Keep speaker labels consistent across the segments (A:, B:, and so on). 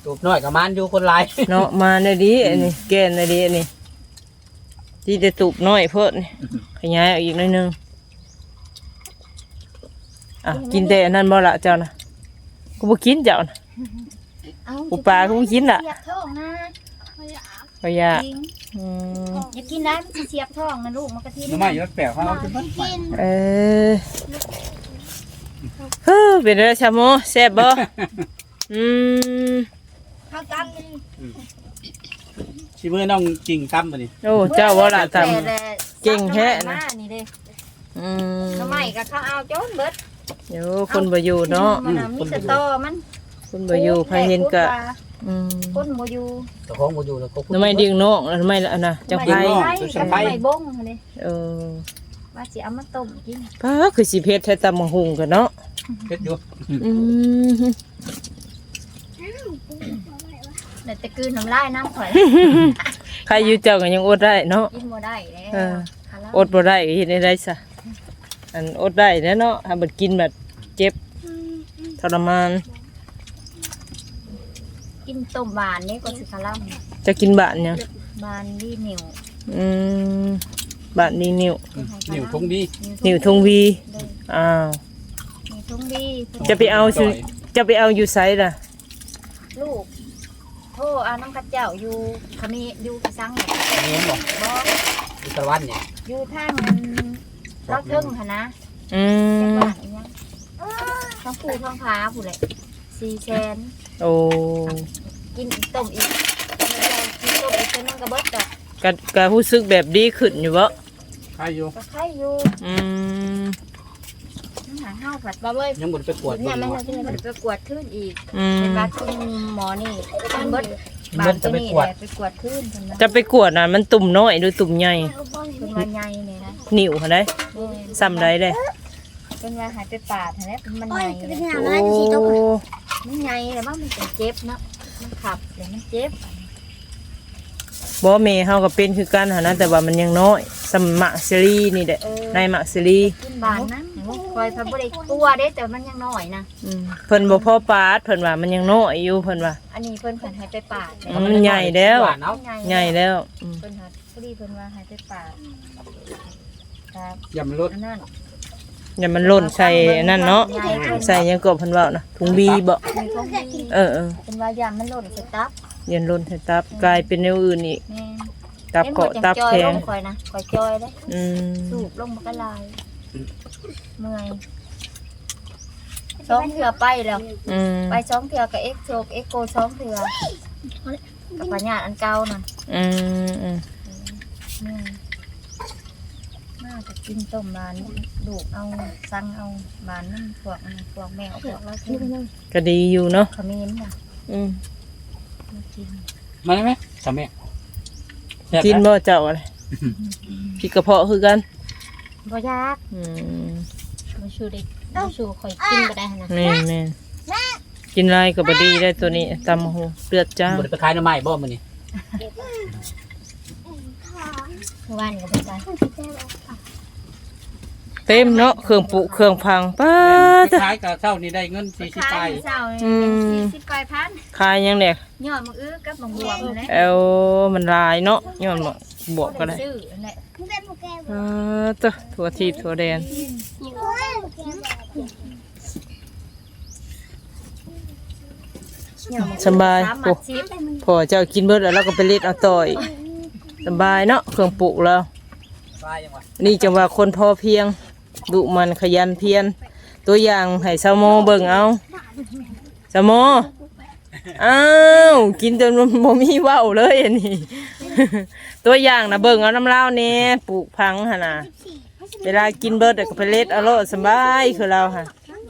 A: ตูบน้อยกับมันอยู่คนหลาย
B: เนาะมาในดีอันนี้แกนในดีอันนี้ที่จะตูบน้อยเพิ่นขยายอีกหน่อยนึงอ่ะกินแต่อันนั้นบ่ละเจ้านะกูบ่กินเจ้านะอุปลากูบ่กินล่ะ
C: เสียบท้องนะ
B: ก็อยาก
C: อย่ากินได้มันเสียบท้องนะลูกมันกะทิ
A: น้ำมันอยู่แปลกเขาเอาขึ้นมา
B: เป็นอะไรชาโมแซ่บบ่
C: ข้าวตั้ม
A: ชิมือน้องจริงตั้มมาดิ
B: โอ้เจ้าว่าละทำเก่งแท้นะ
C: นี่เด้ทำไมก็เขาเอาโจนเบิด
B: เดี๋ยวคนบ่อยู่เนาะ
C: มีสตอมัน
B: คนบ่อยู่ใครเห็นกะ
C: คนบ่อยู่
A: ตะของบ่อยู่แล้วก็
B: ทำไมดึงน้องทำไมล่ะนะจังไผ
C: ไม่บงเลยว่าสิเอามาต้มกิน
B: ป้าคือสิเผ็ดแท้ตำบักหุ่งกันเนาะ
A: เผ็ดอยู่
C: เดี๋ยวจะกืนน้ำลายน้ำข่อย
B: ใครอยู่เจ้าก็ยังอดได้เนาะ
C: กินบ่ได้แล้ว
B: อดบ่ได้เฮ็ดได้ซะอันอดได้เนาะถ้าบ่กินแบบเจ็บทรมาน
C: กินต้มบานนี่ก็สิคาร่ำ
B: จะกินบานเนี่ย
C: บานดีนิ่ว
B: บานดีนิ่ว
A: ทงดี
B: นิ่วทงวีอ้าว
C: นิ่วทงดี
B: จะไปเอาอยู่ไสล่ะ
C: ลูกโทษเอาน้ำกระเจ้าอยู่ขมีอยู่กระซังเนี่ย
A: นี่บ่
C: อยู่
A: ตะวันเนี่ย
C: อยู่ทางเราเทิงค่ะนะทั้งปูทั้งพาผู้เลย400,000
B: โอ้
C: กินต้มอีกกินต้มอีกเป็นมันกระเบิดจ้ะ
B: กะรู้สึกแบบดีขึ้นอยู่บ่
A: ใครอยู่
C: ใครอยู่หาเฮาผัดบ่เว้ย
A: ยังบ่ไปกวด
C: เนี่ยมันไปกวดขึ้นอีกเป็นบาดคุณหมอนี่เป็นเบิดบาดตัวนี้ไปกวดขึ้น
B: จะไปกวดน่ะมันตุ่มน้อยหรือตุ่มใหญ่
C: เป็นว่าใหญ่นี่นะ
B: นิ่วหั่นได้ซ้ำได้เด้
C: เป็นว่าหายไปปาดหั่นแหละมันใหญ่มันใหญ่แล้วมันเจ็บเนาะมันขับเดี๋ยวมันเจ็บ
B: บ่แม่เฮาก็เป็นคือกันหั่นนะแต่ว่ามันยังน้อยสมะซิลีนี่แหละในมะซิลี
C: กินบานนะคอยพาบ่ได้กลัวเด้แต่มันยังน้อยนะ
B: เพิ่นบ่พอปาดเพิ่นว่ามันยังน้อยอยู่เพิ่นว่า
C: อันนี้เพิ่นหายไปปาด
B: มันใหญ่แล้วใหญ่แล้ว
C: เพิ่นพอดีเพิ่นว่าหายไปปาดครับ
A: อย่ามันลด
C: นั่น
B: อย่ามันหล่นใส่นั่นเนาะใส่ยังกบเพิ่นว่านะถุงบีบ่
C: เป็นว่ายามมันหล่นใส่ตับ
B: ยันหล่นใส่ตับกลายเป็นแนวอื่นอีกตับเกาะตับแข็ง
C: คอยนะคอยจอยเลยสูบลงมันก็ลายเมื่อย2 เทื่อไปแล้วไป2 เทื่อกับเอ็กโก2 เทื่อกับปัญญาอันเก่าน่ะน่าจะกินต้มบานดูเอาสั่งเอาบานนั่นพวกแมวพวกเรากิน
B: ก็ดีอยู่เนาะ
C: ขมิ้นน่ะ
A: มาได้ไหมสามี
B: กินบ่เจ้าอะไรพี่กระเพาะคือกัน
C: บ่ยากมาชูดิมาชูคอยกินก็ได้นะ
B: แม่กินไรก็บ่ดีได้ตัวนี้ตำหูเลือดจ้า
A: บ่ได้ไปขายหน่อไม้บ่มื้อนี้
C: วันก็บ่ได้
B: เต็มเนาะเครื่องปุเครื่องพังป้า
A: ขายกับเช้านี่ได้เงิน40ไป
C: 40 ไปพัน
B: ขายยังเนี่ย
C: ยอดมะอื้อกับบางบวบเลย
B: มันลายเนาะยอดมะบวบก็ได้ถั่วทีถั่วแดงสบายพอเจ้ากินเบิดแล้วก็ไปเล็ดเอาต่อยสบายเนาะเครื่องปุแล้วนี่จังว่าคนพอเพียงดุมันขยันเพียรตัวอย่างให้สาวโมเบิ่งเอาสาวโมอ้าวกินจนโมมีว่าวเลยอันนี้ตัวอย่างนะเบิ่งเอาน้ำเล่าเนี่ยปลูกพังฮะนะเวลากินเบิดก็ไปเล็ดเอาโลดสบายคือเราค่ะ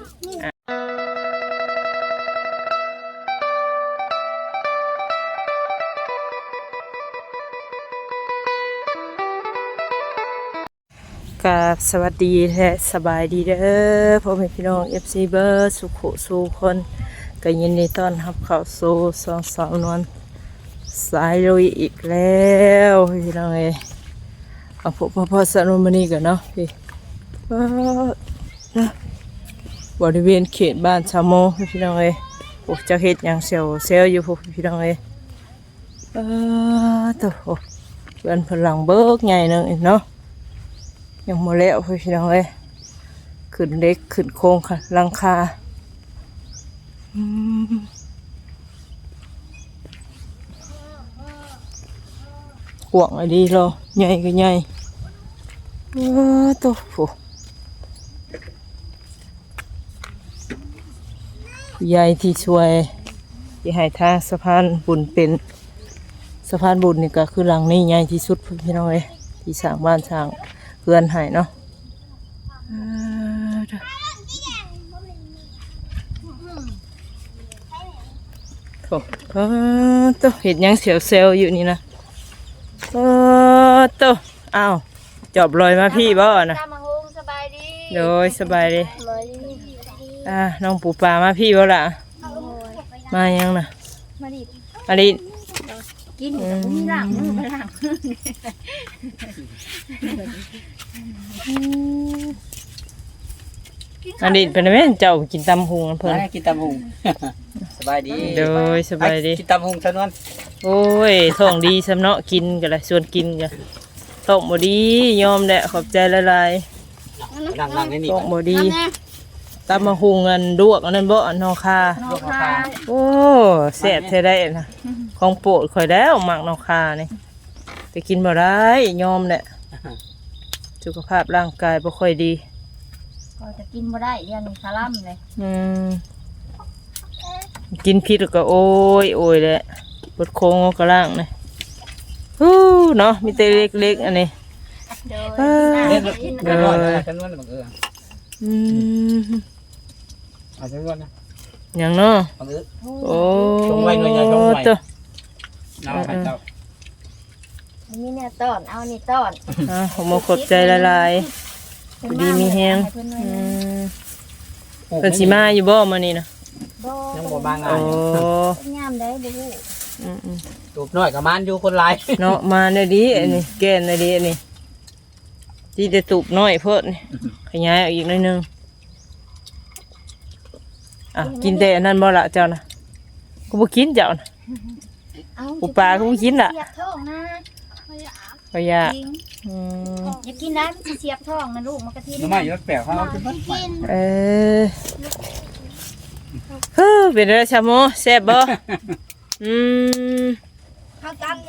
B: กับสวัสดีและสบายดีเด้อพ่อแม่พี่น้อง FC เบอร์สุขสู่คนก็ยินดีต้อนรับเข้าสู่สองนวลสายลุยอีกแล้วพี่น้องเอ้ยเอาพ่อสนุมานี่กันเนาะพี่บริเวณเขตบ้านชาวโมพี่น้องเอ้ยโอ้เจ้าเฮ็ดหยังเซลอยู่พวกพี่น้องเอ้ยตัวโอ้เพื่อนพลังเบิกใหญ่หนึงอีกเนาะยังบ่แล้วพวกพี่น้องเอ้ยขึ้นเล็กขึ้นโครงค่ะหลังคาห่วงไอ้ดีรอใหญ่ก็ใหญ่ตัวโอ้ใหญ่ที่ช่วยที่ให้ทางสะพานบุญเป็นสะพานบุญนี่ก็คือหลังนี้ใหญ่ที่สุดพี่น้องเอ้ยที่สร้างบ้านสร้างเรือนให้เนาะโอ้ตัวเห็ดยังเสียวเซลอยู่นี่นะตัวอ้าวจอบลอยมาพี่บ่นะ
C: ตามมาโฮงสบายดี
B: โดยสบายดี
C: เลย
B: น้องปูปลามาพี่บ่ล่ะมายังนะ
C: มาดิ
B: อลิน
C: กินกับมีหลังมือไปหลัง
B: อลินเป็นไงเจ้ากินตำหุงเพิ่น
A: มากินตำหุง สบายดี
B: โดยสบายดี
A: กินตำหุงซะนวน
B: โอ้ยท้องดีสำเนาะกินกันละชวนกินกันท้องบ่ดียอมแหละขอบใจหลาย
A: นั่งๆนี่
B: ๆท้องบ่ดีตำมะหุงอันดวกอันนั้นบ่อันนอคา
C: นอกค่ะ
B: โอ้แซ่บแท้ได้นะของโปรดข่อยแล้วหมักนอคานี่แต่กินบ่ได้ยอมแหละสุขภาพร่างกายบ่ค่อยดี
C: ก็จะกินบ่ได้เรื่องนี้คาร่ำเลย
B: กินพิษแล้วก็โอ้ยแหละปวดโค้งกระล่างเลยเนาะมีแต่เล็กๆอันนี้
C: โดย
A: เล่นเล่นน้อยซะนวนบังเอิญเอาซะนวนนะ
B: อย่างเนาะ
A: บังเอิญ
B: โอ้
A: ชงไว้หน่อยอย่าชงไว้
B: ตัว
A: น้ำให้เจ้า
C: อันนี้เนี่ยต้อนเอานี่ต้อน
B: ผมมาขอบใจละลายดีมีแฮงเป็นสีมาอยู่บ่มานี่นะ
A: ยังบ่บางงา
B: โอ้
A: น
C: งามได้บ่ฮู้
A: ตูบน้อยกับมันอยู่คนหลาย
B: เนาะมาในดีอันนี้แก่นในดีอันนี้ที่จะตูบน้อยเพิ่นนี่ขยายออกอีกหน่อยนึงกินแต่อันนั้นบ่ละเจ้านะกูบ่กินเจ้านะ
C: เอา
B: ปูปลาก็บ่กินล่ะ
C: เสียบท้องนะ
B: ก็อยาก
C: จริงอย่ากินนะมันสิเสียบท้องนะลูกมันกะทิ
A: น้ำมันอยู่แปลกเขาเอาขึ้นมา
B: เออเป็นไรชาโมแซ่บบ่
C: ข้าวตั้ง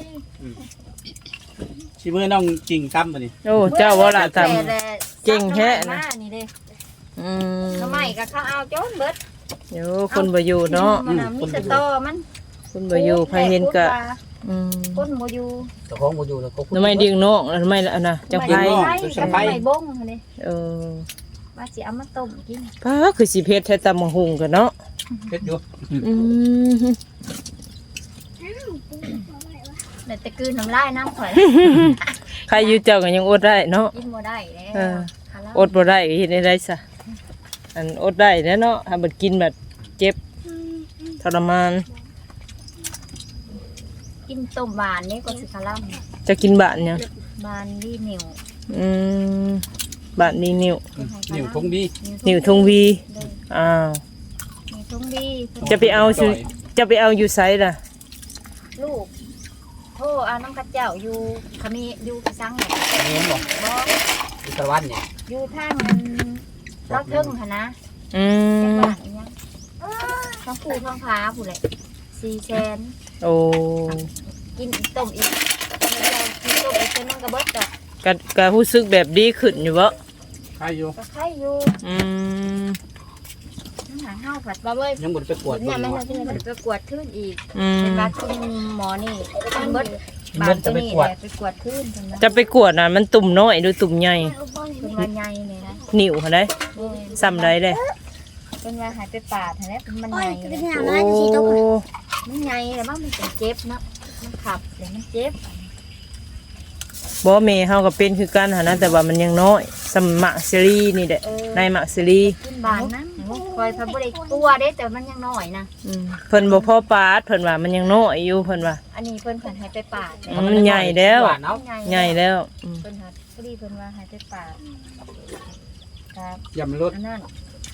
A: ชิมือน้องจริงตั้มมาดิ
B: โอ้เจ้าว่าละท
C: แต่
B: เก่งแท้นะ
C: นี่เด้
B: ำ
C: ทำไมก็เขาเอาโจนเบิด
B: เดี๋ยวคนบ่อยู่เนาะ
C: มันมีสตอมัน
B: คนบ่อยู่ใครเห็นก็
C: คนบ่อยู่
A: แต่ของบ่อยู่แล้วก็
B: ทำไมดึงนอกทำไมล่ะนะจังไผ
C: ไม่บงเลย
B: เออ
C: ว่าสิเอามาต้มกิน
B: ป้าคือสิเพชรแท้ตำบักหุงกันเนาะ
A: เพชรอยู่
C: แต่กืนน้ำลายน้ำข่อย
B: ใครอยู่เจ้าก็ยังอดได้เนาะ
C: กินบ่ได้แล้ว
B: อดบ่ได้ก็เฮ็ดได้ซะอันอดได้แน่เนาะถ้าบ่กินแบบเจ็บทรมาน
C: กินต้มหวานนี่ก็สิคาร่
B: จะกินบาดเนี่ย
C: ำบานดีเหนียว
B: บาดนี้นิ้ว
A: นิ้วทงดี
B: นิ้วทงวีอ้าว
C: นิ้วทุ่งดี
B: จะไปเอาอยู่ไสล่ะ
C: ลูกโทษเอาน้ำกระเจ้าอยู่ขมีอยู่กระซังเนี่ย
A: เห็นบ่
C: บ่
A: อีตะวันเนี่ย
C: อยู่ทางนั้นเราเทิงค่ะนะ
B: อื
C: จัง
B: ม
C: หวัดยังท้องผูท้องพาผู้เลย400,000
B: โอ้
C: กินต้มอีกกินต้มอีกเป็นมันกระเบิดจ้ะ
B: ก็รู้สึกแบบดีขึ้นอยู่บ่
A: ใครอยู่
C: ก็ไข่อยู่
B: อืม
C: น้ำหางเห่าผัดบ่เว้ย
A: ยังบ่ได้ไปกวด
C: เนี่ยมัน
A: บ่
C: จะไปกวดขึ้นอีก
B: อืม
C: เป็นบาคุณหมอนี่เป็นเบิดบาตัวนี้แหละไปกวดขึ้นเป็น
B: จะไปกวดน่ะมันตุ่มน้อยหรือตุ่มใหญ่
C: เป็นวันใหญ่เลยนะ
B: นิ้วหั่นได้ซ้ำได้เด้
C: เป็นวันหายไปปาดเห็นไหมเป็นมันใหญ่เลย
B: โอ้
C: มันใหญ่แต่ว่ามันเป็นเจ็บเนาะมันขับเดี๋ยวมันเจ็บ
B: บ่แม่เฮาก็เป็นคือกันหั่นนะแต่ว่ามันยังน้อยสมมักซีรีนี่แหละในมักซีรี
C: ขึ้นบานนะคอยพับได้ตัวเด้แต่มันยังน้อยนะ
B: เพิ่นบ่พอปาดเพิ่นว่ามันยังน้อยอยู่เพิ่นว่า
C: อันนี้เพิ่นผันหายไปปาด
B: มันใหญ่แล้ว
A: เนาะ
B: ใหญ่แล้ว
C: เพิ่นหัดพอดีเพิ่นว่าหายไปปาดครับ
A: อย่ามันลด
C: อันนั้น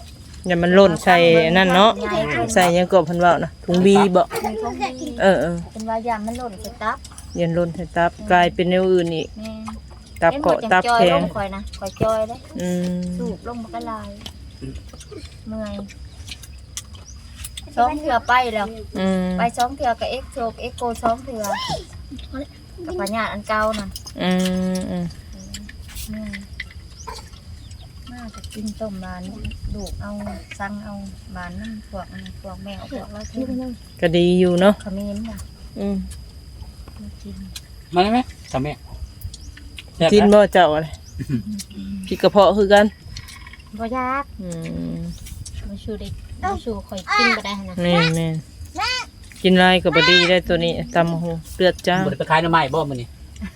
B: อย่ามันหล่นใส่นั่นเนาะใส่หยังก็เพิ่นเว้านะถุงบีบ่
C: มีของดี
B: เออ
C: เป็นว่ายามมันหล่นใส่ตับ
B: ยันหล่นใส่ตับกลายเป็นแนวอื่นอีก
C: แม่
B: ตับเกาะตับ
C: จอย
B: แข็
C: ล
B: ง
C: งข่อยนะข่อยจอยเลย
B: อืม
C: สูบลงมันก็ลายเมื่อยสองเถื่อไปแล้ว
B: อืม
C: ไปสองเถื่อกับเอ็กโซกเอ็กโกสองเถื่อกับปัญญาอันเก่าน่ะ
B: อืม
C: เมื่อยมากจะกินต้มบานดูกเอาสั่งเอาบานนั่นพวกแมวพวกเรากิน
B: ก็ดีอยู่เนาะ
C: ขมิ้นน่ะ
B: อืม
C: มากิน
A: มาได้ไหมทำแม่แซ่บ
B: กิน
A: นะ
B: บ่เจ้าอะไรพี่กระเพาะคือกัน
C: บ่ยาก
B: อืม
C: มาชูดิมาชูข่อยกินบ่ได้นะ
B: แม่นกินไรก็บ่ดีได้ตัวนี้ตำหูเลือดจ้าง
A: บ่ได้ไปขายหน้ำไม้บ่มื้อนี้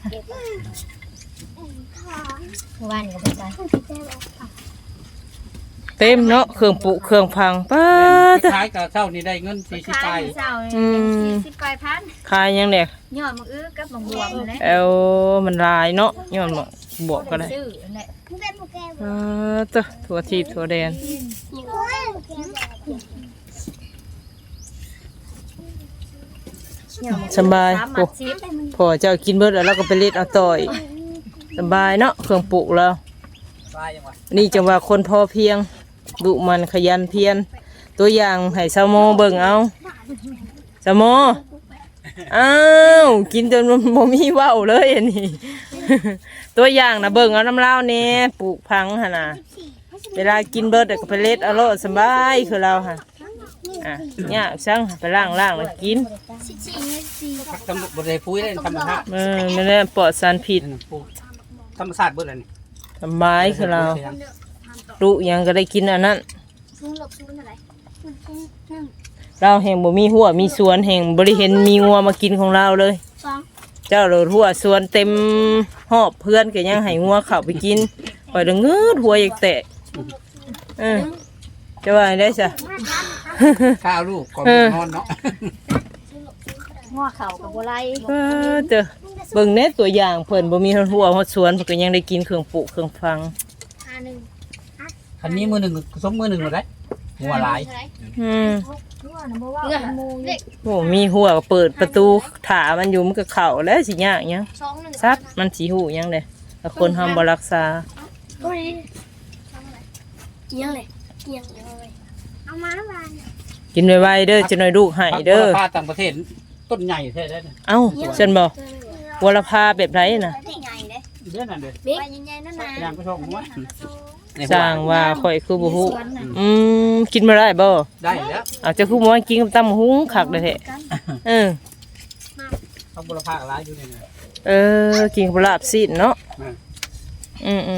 C: เมื่อวานก็บ่ได้
B: เต็มเนาะเครื่องปุเครื่องพังป้า
A: ไปขายกับเช้านี่ได้เงิน40ไป
C: เช้า40ปลายพัน
B: ขายยังเนี่ย
C: ยอดมังอื้อกับมังบวบนั่นแหละ
B: เอามันลายเนาะย้อนมาบวกก็ได้
C: ซื้อนั่นแหละ
B: ตัวถั่วทีถั่วแดนสบาย
C: โอ้
B: โอ้พอเจ้ากินเบิดแล้วเราก็ไปเล็ดเอาต่อยสบายเนาะเครื่องปลูกแล้ว
A: ตายยังวะ
B: นี่จังว่าคนพอเพียงดุมันขยันเพียรตัวอย่างให้สาวโมเบิ่งเอาสาวโมอ้าวกินจนมันบ่มีเว้าเลยอันนี้ ตัวอย่างนะเบิ่งเอาน้ำเล่าวนี่ปลูกพังหั่นน่ะเวลากินเบิดก็ไปเล็ดเอาโลดสบายคือเราค่ะอ่ะยากจังไปล้างแล้วกิน
A: ทำบ่ได้ปุ๋ยได้ธรรมชาติ
B: นั่นแหละปลอดสารพิษ
A: นั่นน่ะปลูกธรรมชาติเบิดแล้วนี่
B: สบายคือเราลูกหยังก็ได้กินอันนั้นเราแห่งบ่มีหัวมีสวนแห่งบ่ได้เห็นมีงัวมากินของเราเลย เจ้าโลดหัวสวนเต็มหอบเพื่อนก็ยังให้งัวเข้าไปกินปล่อยเดงืดหัวอยากแตะจะว่าได้ซะ
A: ข้าวลูกก่อนนอนเนาะ
C: ง้อเข่ากับบัวไล
B: เด้อเบิ่งแน่ตัวอย่างเพิ่นบ่มีหัวฮอดสวนเพิ่นก็ยังได้กินเครื่องปลูกเครื่องฟัง
A: คันนี้มือหนึ่งสมมือหนึ่งหมดได้หัวหลาย
B: อืม
C: ง้อนะบ่ว่ามูเด็ก
B: โอ้มีหัวก็เปิดประตูถามันอยู่มันก็เข้าแล้วสิยากหยังซัดมันสิฮู้หยังเด้ถ้าคนเฮาบ่รักษา
D: เกี่ยงเลยเอามาบาน
B: กินไวๆเด้อจะหน่อยลูกให้เด้อ
A: ผ้าต่างประเทศต้นใหญ่แท้ได้เนี่ย
B: เอ้าฉันบ่วรภาแบบไรน่ะ
D: ได้ไงเด้
A: เยอะนั่นเลย
D: ใบใหญ่ๆนั่นนะ
A: ย่างก็ชอบหัว
B: สร้างว่าข่อยคือบ่ฮู้กินบ่ได้บ่
A: ได้แล้ว
B: เอาจะคือบ่กินกับตำหุงคักเด้อแท้เออ
A: เขาบุรพาร้ายอยู่นี่นะ
B: กินกับลาบซีนเนาะ
A: อืม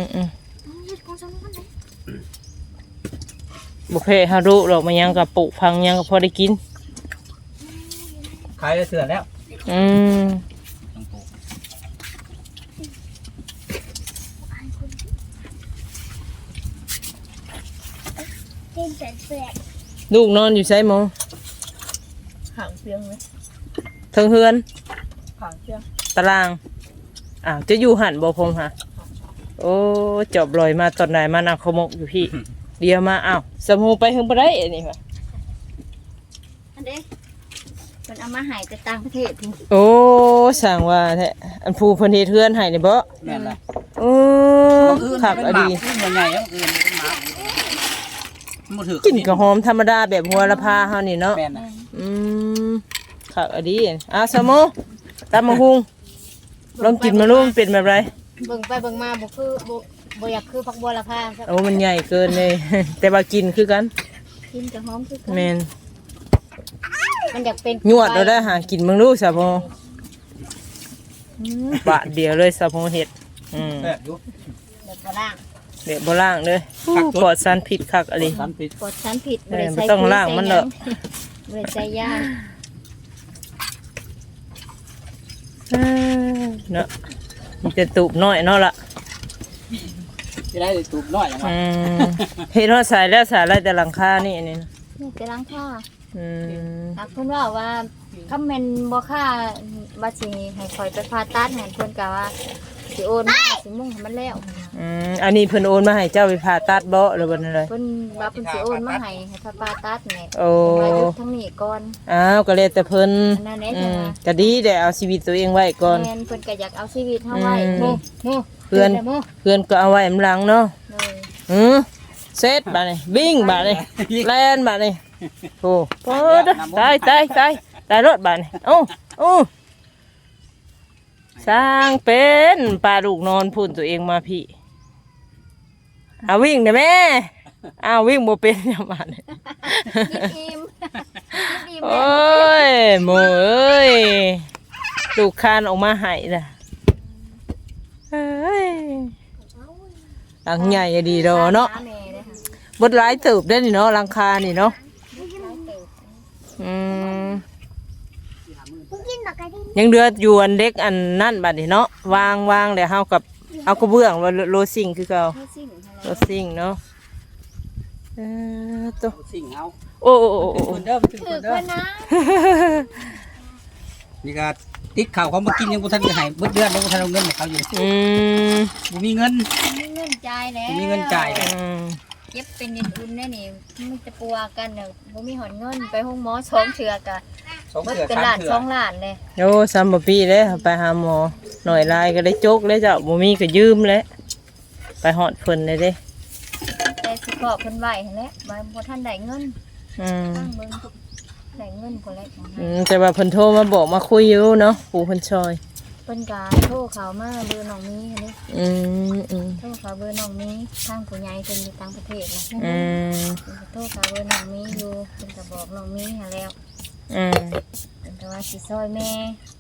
B: บ่แพ้ฮารุดอกมันยังกับปลูกพังยังก็พอได้กิน
A: ขายได้เสือแล้ว
B: อืม
A: ต้องปลูก
D: กินเป็ดเปลือก
B: ลูกนอนอยู่ไสหมอ
C: หางเพียงเลย
B: เทิงเฮือน
C: หางเพียง
B: ตารางอ้าวจะอยู่หั่นบ่พงหะโอ้จอบลอยมาตอนไหนมานั่งขมกอยู่พี่ เดี๋ยวมาอ้าวสมูไปเฮิงบ่ได้อันนี้ว่ะ
C: อันเด้มันเอามาหายจากต่างประเทศพุ่น
B: โอ้สั่งว่าแท้อันผู้เพิ่นเฮ็ดเฮือนให้นี่บ่
A: แม่นละ
B: โอ้คักอะดี
A: มันใหญ่แล้วอื่นเป็นหมามันถือ
B: กินก็หอมธรรมดาแบบหัวละพาเฮานี่เนาะ
A: แม่นนะ
B: อืมคักอะดีสมอตำมะฮุงลองกินมาลูกมันเป็นแบบไร
C: เบิ่งไปเบิ่งมาบ่คือบ่อยากคือผักบัวละพาครับ
B: โอ้มันใหญ่เกินเลย แต่ว่ากินคือกัน
C: กินกับหอมคือกัน
B: แม่น
C: มันอยากเป็น
B: ยวดเราได้หากินมึงลูกสะพอบาทเดียวเลยสะพอเห็ด
A: แซ่บอยู่
C: แบบบ่ล่าง
B: เดี๋ยวบ่ล่างเลยปลอดสารพิษคักอะไร
A: สารพิษ
C: กดชั้นผิด
B: เออบ่ต้องล้างมันเด้อ
C: บ่ได้ใส่ยา
B: เนาะมีแต่ตูบน้อยเนาะล่ะ
A: ที่ได้ตูบน้อยอย่างไร
B: เฮ็ดฮอดสายแล้วสายไรแต่หลังคานี่อันนี้นะ
C: นี่จะล้างผ้า
B: อืม
C: หากเพิ่นว่าคำแม่นบ่ค่าว่าสิให้ข่อยไปผ่าตัดให้เพิ่นก็ว่าสิโอนมาสิมุ่งให้มันแล้ว
B: อันนี้เพิ่นโอนมาให้เจ้าไปผ่าตัดบ่หรือว่าอะไร
C: เพิ่นว่าเพิ่นสิโอนมาให้พระปาตัดแหน่
B: โอ้
C: มาอยู่ทั้งนี้ก่อน
B: อ้าวก็เลยแต่เพิ่น
C: อันนั้นแหละจ้ะ
B: ก็ดีได้เอาชีวิตตัวเองไว้ก่อน
C: แม่นเพิ่นก็อยากเอาชีวิตเฮาไว้
B: โม
C: เพื่อนโม
B: เพื่อนก็เอาไว้มหลังเนาะ
C: เลย
B: เซตบาดนี่วิ่งบาดนี่แล่นบาดนี่โอ้โหตายรถบาดนี่โอ้สร้างเป็นปลาลูกนอนพุ่นตัวเองมาพี่เอาวิ่งได้แม่อ้าววิ่งบ่เป็นอย่ามาเนี่ย
C: อิ่มอิ่ม
B: โอ้ยโมเอ้ยลูกคานออกมาให้น่ะเอ้ยหลังใหญ่อะดีดอเนาะบดหลายเติบได้นี่เนาะหลังคานี่เนาะยังเดือดอยู่อันเด็กอันนั่นบัดนี่เนาะวางเดี๋ยวเฮากับเอากระเบื้องว่าโลซิงคือเก่าโลซิงเนาะตัว
A: สิ่งเอา
B: โอ้
A: คนเด้อถึงคนเด้อนี่ก็ติดข่าวเขามากินยังบ่ทันได้ให้เบิดเดือนยังบ่ทันเอาเงินให้เขาอยู่บ่มีเงิน
C: มีเงินจ่ายแล้ว
A: บ่มีเงินจ่ายเลย
C: เก็บเป็นเงินทุนแน่นี่มันจะปัวกันเนี่ยบ่มีหอนเงินไปห้องหมอสองเทื่อกะ
A: 2
C: เบิด
A: เทื่อ
C: เป็น
A: 3
C: ล้าน
A: เทื่อ
C: สองล้านเลย
B: โอ้ซ้ำบ่ปีเลยไปหาหมอหน่อยลายก็ได้จกเลยเจ้าบ่มีก็ยืมแล้วไปหอดเพิ่นเลยเด้
C: แต่สิขอเพิ่นไว้หั่นแหละบ่ทันได้เงินตั้งเบิ่งได้เงินพุ่นแหละ
B: แต่ว่าเพิ่นโทรมาบอกมาคุยอยู่เนาะปู่เพิ่นชอย
C: เพิ่นก็โทรเข้ามาเบอร์น้องมีหั่นนี่โทรเข้าเบอร์น้องมีทางผู้ใหญ่เพิ่นอยู่ต่างประเทศนะโทรเข้าเบอร์น้องมีอยู่เพิ่นก็บอกน้องมีหั่นแล้วเพิ่นก็ว่าสิซอยแม่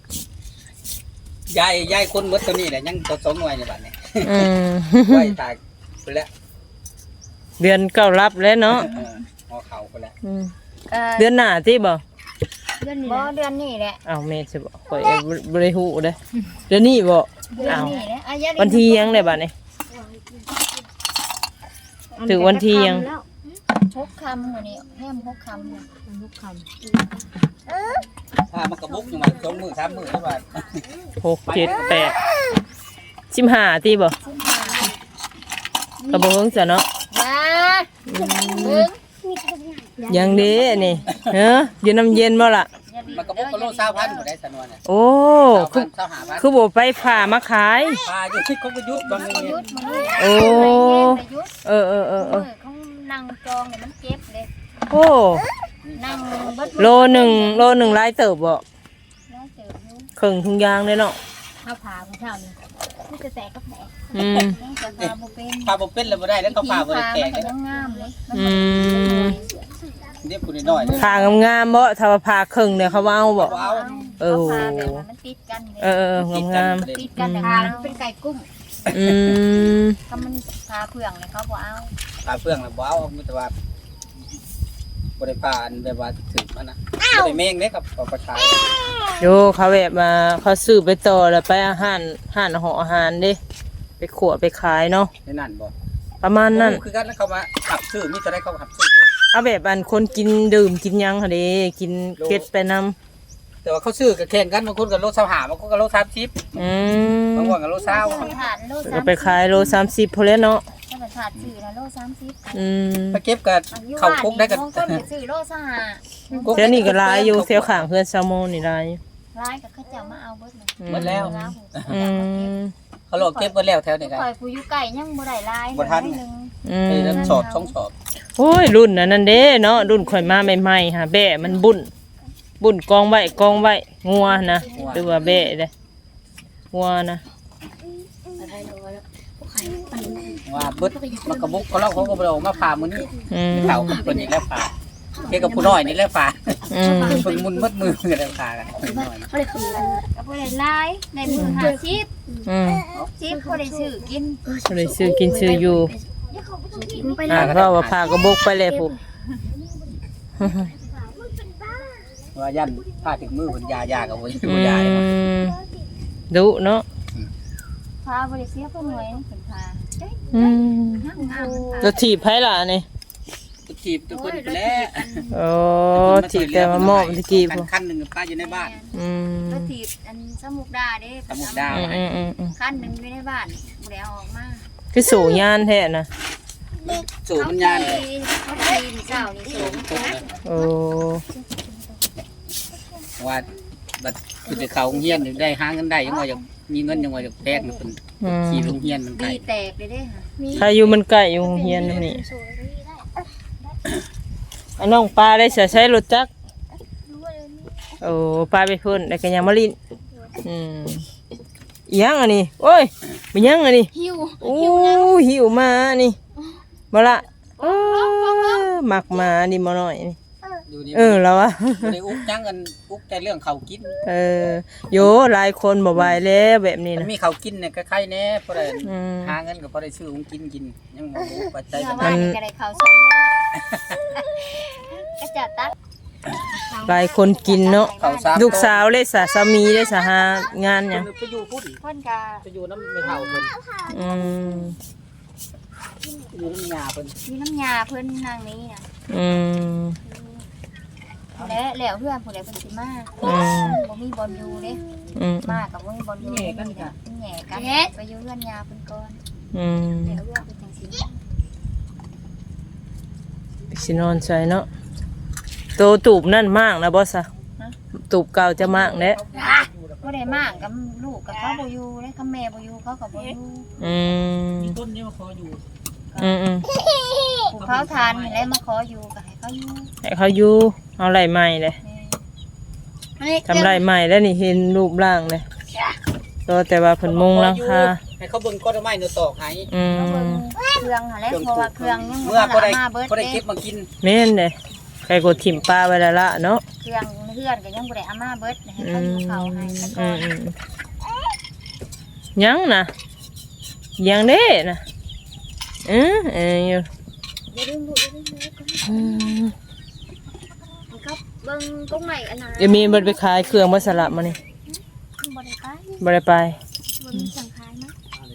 A: ยายคนหมดตัวนี้แหละยังตัว2หน่วยนี่บัดนี้ไว้ตายไปแล้ว
B: เดือนเก้ารับแล้วเนาะ
A: หอเขาไปแล้ว
B: เดือนหน้าที่บ่
C: เดือนนี้บ่เดือนนี้แหละ
B: อ้าวแม่สิบ่ข่อยบ่ได้ฮู้เด้เดือนนี้บ่
C: เดือนนี้แหละอ่ะอย่า
B: วันที่ยังได้บัดนี้ถึงวันที่ยัง
C: 6 ค่ำมื้อนี้แฮม6 ค่ำ6 ค่ำ
A: ถ้ามันกระบุกอยู่มา2มื้อ3มื้อแล้วบาด
B: 6 7 8 15ที่บ่ก็บ่เฮิงซะเนาะ ยังเด้นี่อยู่น้ำเย็นบ่ล่ะ
A: มันกระบุกก็โล20,000บ่ได้สนวนน่ะ
B: โอ้คือบ่ไปผ่ามาขาย
A: ปลาอยู่ที่เขาก็ยุบบางนี่
B: โอ้เออ
C: เขานั่งจองเนี่ยมันเก็บเลย
B: โอ้
C: นั่งเบิด
B: โลหนึ่งหลายเติบบ่
C: แล้วเจออยู่
B: ครึ่งถุงยางเลยเนาะ
C: ข้าวผาของเช้านี่มันจะแตกก็แตก ยังจะพาบ่เป็น
A: ปลาบ่เป็นแล้วบ่ได้แล้วเขาปลาบ่ได้แตก
C: มัน
A: เลย
C: ก็ยังงามเลย
A: เรียกผู้น้อยๆเลย
B: ผ่างามๆบ่ถ้าว่าผ่าครึ่งเนี่ยเขาว่าเอาบ่
A: ว้าว
B: เออ
C: พาแบบว่ามันติดกันเลย
B: งาม
C: ติดกันแต่พามันเป็นไก่กุ้ง ถ้ามันพาเพื่องเลยเขาบอกเอา
A: ปลาเฟืองแล้วบ่เอามีแต่ว่าบ่ได้ปลาอันแบบว่าถึงมันนะบ่ได้แมงเด้ครับเอาไปขาย
B: โยเขาแบบมาเขาซื้อไปต่อแล้วไปอาหารหออาหารเด้ไปขวไปขายเนาะ
A: ในนั่นบ่
B: ประมาณนั้น
A: คือกันแล้วเขามาขับซื้อมีแต่ได้เขาขับซื้อ
B: เอาแบบอันคนกินดื่มกินหยังค่ะเด้กินเก็ดไปนำ
A: แต่ว่าเขาซื้อก็แข่งกันบางคนก็โล25บางคนก็โล30บางคนก็โล
C: ถาด
A: 20
C: โล
B: ก็ไปขายโล30พอแล้วเนาะ
C: ถ้าเป็นถาดสื่อนะโล30
A: ไปเก็บกับเข้าคุกได้กัน
C: บางคนไปซื้อโลสหะ
B: เสียนี่ก็หลายอยู่เสียวข้างเพื่อนแซลมอนนี่หลายอยู่
C: ร้ายกับเขาจะมาเอาเบิดเลย
A: หมดแล้ว
B: อืม
A: เขาโลเก็บหมดแล้วแถวนี้กัน
C: ปล่อยผู้อยู่ไก่ยังบ่ได้ลาย
A: บ่ทัน
C: นึง
B: อืม
A: ไอ้สอบ2สอบ
B: โอ้ยรุ่นนั้นเด้เนาะรุ่นข่อยมาใหม่ๆฮะแบะมันบุ่นกองไว้งัวนะหรือว่าแบะเด้งัวนะ
A: ว่าเบิดมันกระบุกเขาเล่าเขาก็บ่ได้ออกมาผ่ามื้อนี้ เขาเพิ่นนี่แล้วผ่าเกี่ยวกับผู้น้อยนี่แล้วผ่าเพิ่นมุนมัดมือกันแล้วผ่ากันน้อย
C: ก็บ่ได้ลายในมือ50 60บ่ได้ซื้อกิน
B: ก็เลยซื้อกินซื้ออยู่เพราะว่าพากระบกไปเลยผู้
A: ว่ายันผ่าถึงมือเพิ่นยากับบ่บ่ยา
B: ดุเนาะ
C: พาบ่ได้เสียเพิ่นหน่วยเพิ่นพา
B: จะถีบไผล่ะนี่
A: ทีถีบทุกคนไปแล้ว
B: โอ้ถีบแต่มามอบตะกี้พวก
A: คันหนึ่งป้าอยู่ในบ้าน
C: รถถีบอันสมุกดาเด้
A: สมุกดา
C: คันหนึ่งอยู่ในบ้านบ่ได้เอาออกมา
B: คือสู่ยานแท้นะ
A: สูบมันยาน
C: เขาตีนเจ้านี่สูง
B: โอ้
A: ว่าบัดคือไปเขาโรงเรียนได้หาเงินได้ยังว่าจะมีเงินยังว่าจะแพงมันเป็นขี่โรงเรียนมันไกล
C: ดีแตกเลยเด้ค่ะ
B: ใครอยู่มันใกล้อยู่โรงเรียนนี่อันน้องปลาได้ใช้รถจักรโอ้ปลาไปเพิ่นแล้วก็ยังมาลินอีหยังอันนี้โอ้ยเป็นหยังอันนี้
D: หิว
B: โอ้หิวมานี่มาละหมักมานี่มาหน่อยนี่
A: อยู่นี่
B: แล้วอะ
A: บ่ได้อุกจังกันอุกแต่เรื่องเขากิน
B: โยหลายคนบ่ไหวแล้วแบบนี้
A: มัน
B: นะ
A: มีเขากินเนี่ยก็ใครแน่พอได้หาเงินก็พอได้ซื้อของกินยังบ่รู้ปัจจัย
C: เมื่
A: ปั
C: อ
A: จจั
C: วาย นนี่ก็ได้ข้าวส้มก็จะตัก
B: หลายคนกินเนาะ
A: เขาซา
B: ลูกสาวเลยสามีเลยหางานหยัง
A: ไปอยู่พุ่น
C: คนกะ
A: ไปอยู่น้ำไม่เท่าเพิ่น
B: อืม
A: อยู่น้ำยาเพิ่น
C: มีน้ำยาเพิ่นนางนี้น่ะ
B: อืม
C: แล้วเพื่อนผู้ใดเพิ่นสิมาบ่มีบอลอยู่เด้ มากับบ่มีบอลอยู่แหน่กันไปอยู่เพื่อนยาเพิ่นก่อนแล้วเพื่อนเพิ่นจังสิ
B: สินอนใส่เนาะโตตูบนั่นมากนะบอสอะตูบเก่าจะมากแน่
C: บ่ได้มากกับลูกกับเขาบ่อยู่เด้กับแม่บ่อยู่เขาก็บ่อยู่
A: มีต้นนี้มาขออยู่
C: ผู้เขาทานนี่แหละมาขออยู่ก็ให้เขาอยู่
B: ให้เขาอยู่เอาไรใหม่เลยทำไรใหม่แล้วนี่เห็นรูปร่างเลยก็แต่ว่าเพิ่นมุงหลังคา
A: ให้เขาเบิ่งก้อนไม้เนื้อตอกให้
C: เขาเบิ่งเครื่องหั่นแหละเพราะว่าเครื่องยัง
A: เมื่อพอได้
C: มาเบิด
A: พอได้
C: เด้
A: เก็บมากิน
B: แม่นเลยใครกดถิ่มปลาไว้แล้วละเนาะ
C: เครื่องเพื่อนก็ยังบ่ได้เอามาเบิดให้เขาอยู่เขาให้ซะก่อน
B: ยังนะยังเด้นะอยู่
C: อย่าลืมลูกอย่าลืมมันก็เบิ่งตรงไหนอันนั้น
B: เดี๋ยวมีมันไปขายเครื่องมาสลับมานี่
C: บ่ได้ไป
B: บ่ได้ไป
C: บ่มีสังขารนะ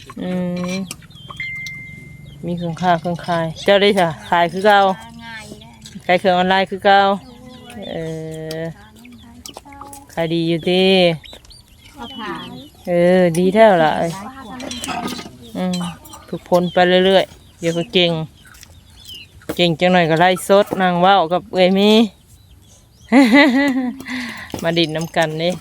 B: มีเครื่องค่าเครื่องขายเจ้าได้จ้ะขายคือเก่า
C: ง่ายได้
B: ขายเครื่องออนไลน์คือเก่าขายดีอยู่ดี
C: เขาผ่าน
B: ดีแท้ละฝึกพลไปเรื่อยๆเดี๋ยวก็เก่งจังหน่อยก็ไล่สดนางว่าวกับเอ้ยมี มาดินน้ำกันนี่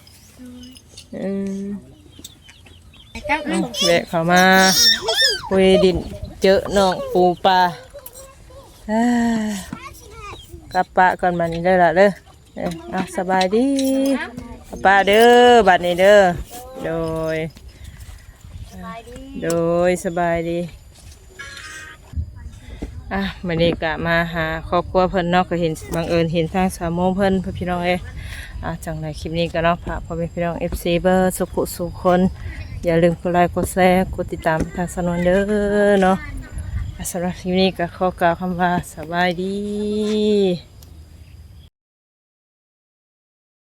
B: แวะเข้ามาคุยดินเจอน้องปูปลากลับปะก่อนมานี่ได้ละเด้อสบายดีปลาเด้อบัดนี้เด้อโดยสบายดีวันนี้กะมาหาครอบครัวเพิ่นเนาะก็เห็นบังเอิญเห็นทางสามโมงเพิ่นพี่น้องจังในคลิปนี้ก็เนาะฝากพ่อแม่พี่น้อง FC เบอร์สุขคนอย่าลืมกดไลค์กดแชร์กดติดตามทางสนวนเด้อเนาะสำหรับคลิปนี้ก็ขอกล่าวคำว่าสบายดี